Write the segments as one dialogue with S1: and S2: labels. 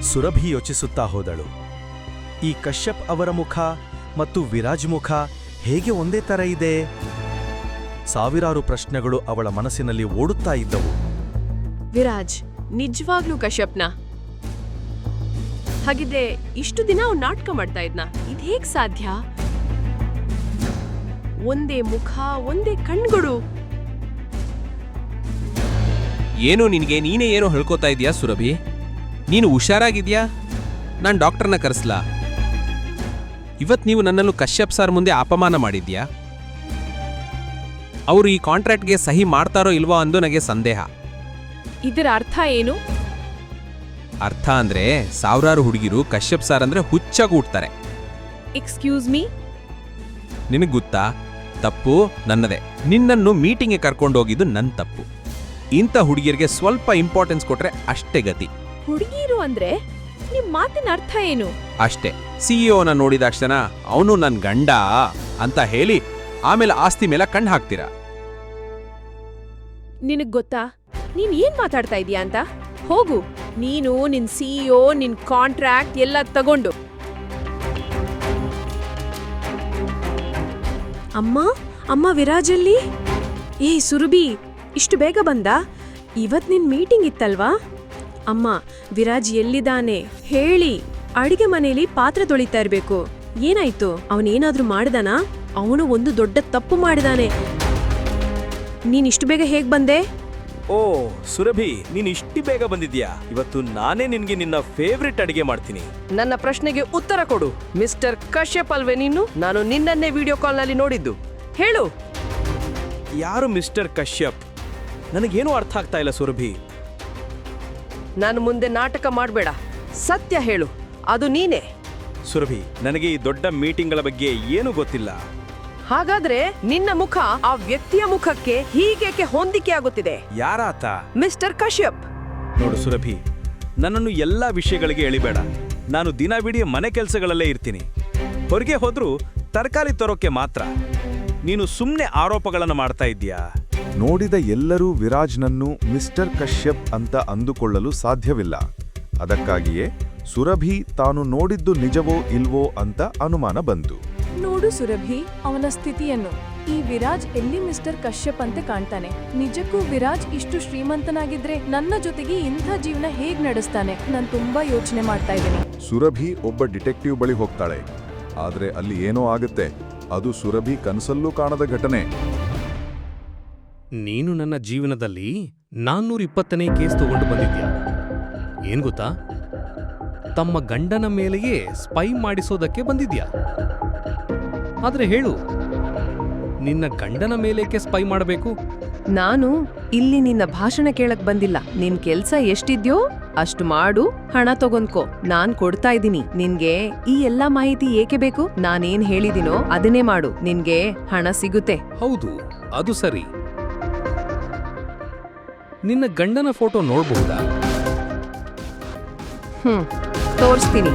S1: ಸುರಭಿ ಯೋಚಿಸುತ್ತಾ ಹೋದಳು. ಈ ಕಶ್ಯಪ್ ಅವರ ಮುಖ ಮತ್ತು ವಿರಾಜ್ ಮುಖ ಹೇಗೆ ಒಂದೇ ತರ ಇದೆ? ಸಾವಿರಾರು ಪ್ರಶ್ನೆಗಳು ಅವಳ ಮನಸ್ಸಿನಲ್ಲಿ ಓಡುತ್ತಾ ಇದ್ದವು.
S2: ವಿರಾಜ್ ನಿಜವಾಗ್ಲೂ ಕಶ್ಯಪ್ನ? ಹಾಗಿದ್ರೆ ಇಷ್ಟು ದಿನ ಅವ್ನು ನಾಟಕ ಮಾಡ್ತಾ ಇದ್ನ? ಇದೇಗ್ ಸಾಧ್ಯ? ಒಂದೇ ಮುಖ, ಒಂದೇ ಕಣ್ಗಳು.
S3: ಏನು ನಿನಗೆ ನೀನೇ ಏನೋ ಹೇಳ್ಕೊತಾ ಇದೀಯಾ ಸುರಭಿ? ನೀನು ಹುಷಾರಾಗಿದ್ಯಾ? ನಾನು ಡಾಕ್ಟರ್ನ ಕರೆಸ್ಲಾ? ಇವತ್ತು ನೀವು ನನ್ನನ್ನು ಕಶ್ಯಪ್ ಸರ್ ಮುಂದೆ ಅಪಮಾನ ಮಾಡಿದ್ಯಾ? ಅವರು ಈ ಕಾಂಟ್ರಾಕ್ಟ್ಗೆ ಸಹಿ ಮಾಡ್ತಾರೋ ಇಲ್ವೋ ಅಂದು ನನಗೆ ಸಂದೇಹ.
S2: ಇದರ ಅರ್ಥ ಏನು?
S3: ಅರ್ಥ ಅಂದ್ರೆ ಸಾವಿರಾರು ಹುಡುಗಿರು ಕಶ್ಯಪ್ ಸರ್ ಅಂದ್ರೆ ಹುಚ್ಚಾಗೂಡ್ತಾರೆ.
S2: Excuse me?
S3: ನಿನಗೆ ಗೊತ್ತಾ, ತಪ್ಪು ನನ್ನದೇ. ನಿನ್ನನ್ನು ಮೀಟಿಂಗ್ಗೆ ಕರ್ಕೊಂಡೋಗಿದ್ದು ನನ್ನ ತಪ್ಪು. ಇಂಥ ಹುಡುಗಿಯರಿಗೆ ಸ್ವಲ್ಪ ಇಂಪಾರ್ಟೆನ್ಸ್ ಕೊಟ್ರೆ ಅಷ್ಟೇ ಗತಿ.
S2: ಹುಡುಗಿರು ಅಂದ್ರೆ ನಿಮ್ ಮಾತಿನ ಅರ್ಥ ಏನು?
S3: ಅಷ್ಟೇ, ಸಿಇಒನ ನೋಡಿದಾಕ್ಷಣ ಅವನು ನನ್ನ ಗಂಡ ಅಂತ ಹೇಳಿ ಆಮೇಲೆ ಆಸ್ತಿ ಮೇಲೆ ಕಣ್ಣು ಹಾಕ್ತೀರಾ.
S2: ನಿನಗ್ ಗೊತ್ತಾ ನೀನ್ ಏನ್ ಮಾತಾಡ್ತಾ ಇದೀಯಾ ಅಂತ? ಹೋಗು, ನೀನು ನಿನ್ ಸಿಇಒ, ನಿನ್ ಕಾಂಟ್ರಾಕ್ಟ್ ಎಲ್ಲ ತಗೊಂಡು. ಅಮ್ಮ ಅಮ್ಮ ವಿರಾಜಲ್ಲಿ? ಏ ಸುರಭಿ, ಇಷ್ಟು ಬೇಗ ಬಂದ? ಇವತ್ ನಿನ್ ಮೀಟಿಂಗ್ ಇತ್ತಲ್ವಾ? ಅಮ್ಮ, ವಿರಾಜ್ ಎಲ್ಲಿದ್ದಾನೆ ಹೇಳಿ. ಅಡಿಗೆ ಮನೇಲಿ ಪಾತ್ರೆ ತೊಳಿತಾ ಇರ್ಬೇಕು. ಏನಾಯ್ತು? ಅವನೇನಾದ್ರೂ ಮಾಡ್ದಾನಾ? ಅವನು ಒಂದು ದೊಡ್ಡ ತಪ್ಪು ಮಾಡಿದಾನೆ. ನೀನ್ ಇಷ್ಟು ಬೇಗ ಹೇಗ್ ಬಂದೆ?
S1: ಓ ಸುರಭಿ, ನೀನ್ ಇಷ್ಟು ಬೇಗ ಬಂದಿದ್ಯಾ? ಇವತ್ತು ನಾನೇ ನಿನ್ಗೆ ನಿನ್ನ ಫೇವ್ರೆಟ್ ಅಡಿಗೆ ಮಾಡ್ತೀನಿ.
S4: ನನ್ನ ಪ್ರಶ್ನೆಗೆ ಉತ್ತರ ಕೊಡು. ಮಿಸ್ಟರ್ ಕಶ್ಯಪ್ ಅಲ್ವೇ ನೀನು? ನಾನು ನಿನ್ನನ್ನೇ ವಿಡಿಯೋ ಕಾಲ್ನಲ್ಲಿ ನೋಡಿದ್ದು. ಹೇಳು.
S1: ಯಾರು ಮಿಸ್ಟರ್ ಕಶ್ಯಪ್? ನನಗೇನು ಅರ್ಥ ಆಗ್ತಾ ಇಲ್ಲ ಸುರಭಿ.
S4: ನಾನು ಮುಂದೆ ನಾಟಕ ಮಾಡಬೇಡ. ಸತ್ಯ ಹೇಳು, ಅದು ನೀನೇ.
S1: ಸುರಭಿ, ನನಗೆ ಈ ದೊಡ್ಡ ಮೀಟಿಂಗ್ಗಳ ಬಗ್ಗೆ ಏನೂ ಗೊತ್ತಿಲ್ಲ.
S4: ಹಾಗಾದ್ರೆ ನಿನ್ನ ಮುಖ ಆ ವ್ಯಕ್ತಿಯ ಮುಖಕ್ಕೆ ಹೀಗೇಕೆ ಹೊಂದಿಕೆ ಆಗುತ್ತಿದೆ?
S1: ಯಾರಾತ?
S4: ಮಿಸ್ಟರ್ ಕಶ್ಯಪ್.
S1: ನೋಡು ಸುರಭಿ, ನನ್ನನ್ನು ಎಲ್ಲಾ ವಿಷಯಗಳಿಗೆ ಎಳಿಬೇಡ. ನಾನು ದಿನವಿಡೀ ಮನೆ ಕೆಲಸಗಳಲ್ಲೇ ಇರ್ತೀನಿ. ಹೊರಗೆ ಹೋದ್ರೂ ತರಕಾರಿ ತರೋಕೆ ಮಾತ್ರ. ನೀನು ಸುಮ್ಮನೆ ಆರೋಪಗಳನ್ನು ಮಾಡ್ತಾ ಇದ್ದೀಯಾ?
S5: ನೋಡಿದ ಎಲ್ಲರೂ ವಿರಾಜ್ನನ್ನು ಮಿಸ್ಟರ್ ಕಶ್ಯಪ್ ಅಂತ ಅಂದುಕೊಳ್ಳಲು ಸಾಧ್ಯವಿಲ್ಲ. ಅದಕ್ಕಾಗಿಯೇ ಸುರಭಿ ತಾನು ನೋಡಿದ್ದು ನಿಜವೋ ಇಲ್ವೋ ಅಂತ ಅನುಮಾನ ಬಂತು.
S6: ನೋಡು ಸುರಭಿ, ಅವನ ಸ್ಥಿತಿಯನ್ನು. ಈ ವಿರಾಜ್ ಎಲ್ಲಿ ಮಿಸ್ಟರ್ ಕಶ್ಯಪ್ ಅಂತೆ ಕಾಣ್ತಾನೆ? ನಿಜಕ್ಕೂ ವಿರಾಜ್ ಇಷ್ಟು ಶ್ರೀಮಂತನಾಗಿದ್ರೆ ನನ್ನ ಜೊತೆಗೆ ಇಂಥ ಜೀವನ ಹೇಗ್ ನಡೆಸ್ತಾನೆ? ನಾನು ತುಂಬಾ ಯೋಚನೆ ಮಾಡ್ತಾ ಇದ್ದೀನಿ.
S5: ಸುರಭಿ ಒಬ್ಬ ಡಿಟೆಕ್ಟಿವ್ ಬಳಿ ಹೋಗ್ತಾಳೆ. ಆದ್ರೆ ಅಲ್ಲಿ ಏನೋ ಆಗುತ್ತೆ. ಅದು ಸುರಭಿ ಕನಸಲ್ಲೂ ಕಾಣದ ಘಟನೆ.
S7: ನೀನು ನನ್ನ ಜೀವನದಲ್ಲಿ 420ನೇ ಕೇಸ್ ತಗೊಂಡು ಬಂದಿದ್ಯಾ. ಏನ್ ಗೊತ್ತಾ? ತಮ್ಮ ಗಂಡನ ಮೇಲೆಯೇ ಸ್ಪೈ ಮಾಡಿಸೋದಕ್ಕೆ ಬಂದಿದ್ಯಾ. ಆದ್ರೆ ಹೇಳು, ನಿನ್ನ ಗಂಡನ ಮೇಲೇಕೆ ಸ್ಪೈ ಮಾಡಬೇಕು?
S4: ನಾನು ಇಲ್ಲಿ ನಿನ್ನ ಭಾಷಣ ಕೇಳಕ್ ಬಂದಿಲ್ಲ. ನಿನ್ ಕೆಲ್ಸ ಎಷ್ಟಿದ್ಯೋ ಅಷ್ಟು ಮಾಡು, ಹಣ ತಗೊಂಡ್ಕೋ. ನಾನ್ ಕೊಡ್ತಾ ಇದ್ದೀನಿ. ನಿನ್ಗೆ ಈ ಎಲ್ಲಾ ಮಾಹಿತಿ ಏಕೆ ಬೇಕು? ನಾನೇನ್ ಹೇಳಿದಿನೋ ಅದನ್ನೇ ಮಾಡು, ನಿನ್ಗೆ ಹಣ ಸಿಗುತ್ತೆ.
S7: ಹೌದು, ಅದು ಸರಿ. ನಿನ್ನ ಗಂಡನ ಫೋಟೋ ನೋಡಬಹುದಾ?
S4: ತೋರಿಸ್ತೀನಿ.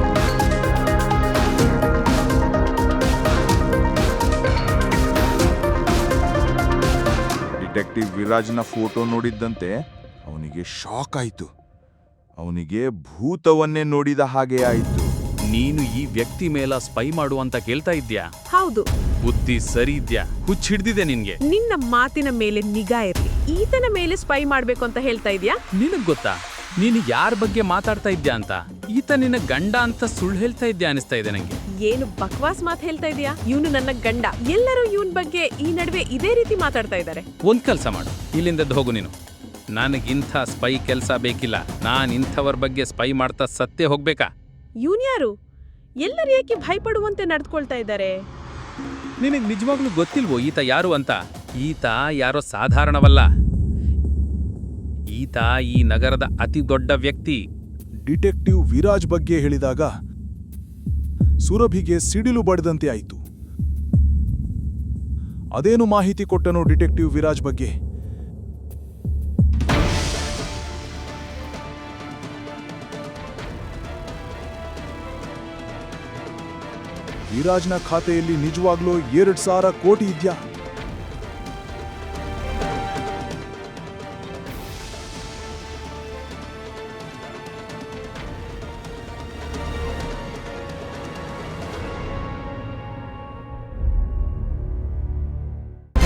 S5: ಡಿಟೆಕ್ಟಿವ್ ವಿರಾಜ್ನ ಫೋಟೋ ನೋಡಿದ್ದಂತೆ ಅವನಿಗೆ ಶಾಕ್ ಆಯಿತು. ಅವನಿಗೆ ಭೂತವನ್ನೇ ನೋಡಿದ ಹಾಗೆ ಆಯಿತು.
S8: ನೀನು ಈ ವ್ಯಕ್ತಿ ಮೇಲ ಸ್ಪೈ ಮಾಡು ಅಂತ ಕೇಳ್ತಾ ಇದ್ಯಾ?
S2: ಹೌದು.
S8: ಬುದ್ಧಿ ಸರಿ ಇದ್ಯಾ? ಹುಚ್ಚ ಹಿಡ್ದಿದೆ ನಿನ್ಗೆ.
S2: ನಿನ್ನ ಮಾತಿನ ಮೇಲೆ ನಿಗಾ ಇರ್ಲಿ. ಈತನ ಮೇಲೆ ಸ್ಪೈ ಮಾಡ್ಬೇಕು ಅಂತ ಹೇಳ್ತಾ ಇದ್ಯಾ?
S8: ನಿನಗ್ ಗೊತ್ತಾ ನೀನು ಯಾರ ಬಗ್ಗೆ ಮಾತಾಡ್ತಾ ಇದ್ಯಾ ಅಂತ? ಈತ ನಿನ್ನ ಗಂಡ ಅಂತ ಸುಳ್ಳು ಹೇಳ್ತಾ ಇದ್ಯಾ ಅನಿಸ್ತಾ ಇದೆ ನಂಗೆ.
S2: ಏನು ಬಕ್ವಾಸ್ ಮಾತು ಹೇಳ್ತಾ ಇದೀಯಾ? ಇವನು ನನ್ನ ಗಂಡ. ಎಲ್ಲರೂ ಇವನ್ ಬಗ್ಗೆ ಈ ನಡುವೆ ಇದೇ ರೀತಿ ಮಾತಾಡ್ತಾ ಇದ್ದಾರೆ.
S8: ಒಂದ್ ಕೆಲ್ಸ ಮಾಡು, ಇಲ್ಲಿಂದ ಹೋಗು ನೀನು. ನನಗಿಂಥ ಸ್ಪೈ ಕೆಲ್ಸ ಬೇಕಿಲ್ಲ. ನಾನ್ ಇಂಥವ್ರ ಬಗ್ಗೆ ಸ್ಪೈ ಮಾಡ್ತಾ ಸತ್ತೇ ಹೋಗ್ಬೇಕಾ?
S2: ಇವನ್ ಯಾರು? ಎಲ್ಲರೂ ಏಕೆ ಭಯಪಡುವಂತೆ ನಡ್ಕೊಳ್ತಾ ಇದ್ದಾರೆ?
S8: ನಿನಗ್ ನಿಜವಾಗ್ಲೂ ಗೊತ್ತಿಲ್ವೋ ಈತ ಯಾರು ಅಂತ? ಈತ ಯಾರೋ ಸಾಧಾರಣವಲ್ಲ. ಈತ ಈ ನಗರದ ಅತಿ ದೊಡ್ಡ ವ್ಯಕ್ತಿ.
S5: ಡಿಟೆಕ್ಟಿವ್ ವಿರಾಜ್ ಬಗ್ಗೆ ಹೇಳಿದಾಗ ಸುರಭಿಗೆ ಸಿಡಿಲು ಬಡಿದಂತೆ ಆಯಿತು. ಅದೇನು ಮಾಹಿತಿ ಕೊಟ್ಟನು ಡಿಟೆಕ್ಟಿವ್ ವಿರಾಜ್ ಬಗ್ಗೆ? ವಿರಾಜ್ನ ಖಾತೆಯಲ್ಲಿ ನಿಜವಾಗ್ಲೂ 2,000 ಕೋಟಿ ಇದೆಯಾ?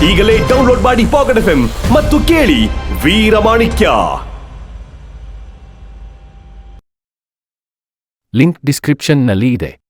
S9: ಈಗಲೇ ಡೌನ್ಲೋಡ್ ಮಾಡಿ ಪಾಕೆಟ್ ಎಫ್ಎಂ ಮತ್ತು ಕೇಳಿ ವೀರಮಾಣಿಕ್ಯ.
S10: ಲಿಂಕ್ ಡಿಸ್ಕ್ರಿಪ್ಷನ್ನಲ್ಲಿ ಇದೆ.